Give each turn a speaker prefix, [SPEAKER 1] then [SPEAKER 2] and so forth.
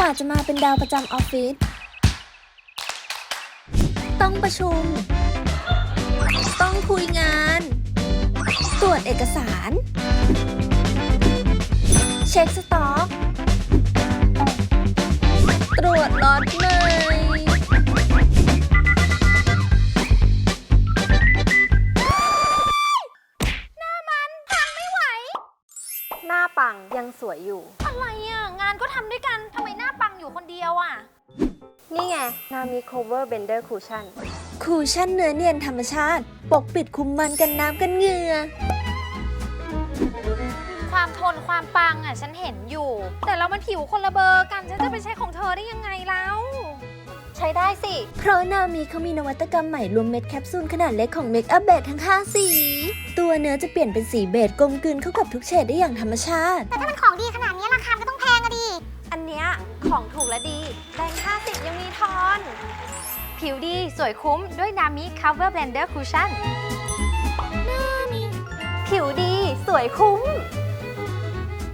[SPEAKER 1] อาจจะมาเป็นดาวประจำออฟฟิศต้องประชุมต้องคุยงานตรวจเอกสารเช็คสต็อกตรวจล็อตใหม่หน้าปังยังสวยอยู่
[SPEAKER 2] อะไรอ่ะงานก็ทำด้วยกันทำไมหน้าปังอยู่คนเดียวอ่ะ
[SPEAKER 1] นี่ไงนามิ Cover Bender Cushion คูชั่นเนื้อเนียนธรรมชาติปกปิดคุมมันกันน้ำกันเหงื่อ
[SPEAKER 2] ความทนความปังอ่ะฉันเห็นอยู่ แต่เรามันผิวคนละเบอร์กันฉันจะไปใช้ของเธอได้ยังไงแล้วใช้ได้สิ
[SPEAKER 1] เพราะนามิเขามีนวัตกรรมใหม่รวมเม็ดแคปซูลขนาดเล็กของเมคอัพเบสทั้ง5สีตัวเนื้อจะเปลี่ยนเป็นสีเบจกลมกลืนเข้ากับทุกเฉดได้อย่างธรรมชาติ
[SPEAKER 3] แต่ถ้ามันของดีขนาดนี้ราคาก็ต้องแพงอะดิ
[SPEAKER 2] อันเนี้ยของถูกและดีแบงค์50ยังมีทอน ผิวดีสวยคุ้มด้วยนามิ Cover Blender Cushion ผิวดีสวยคุ้ม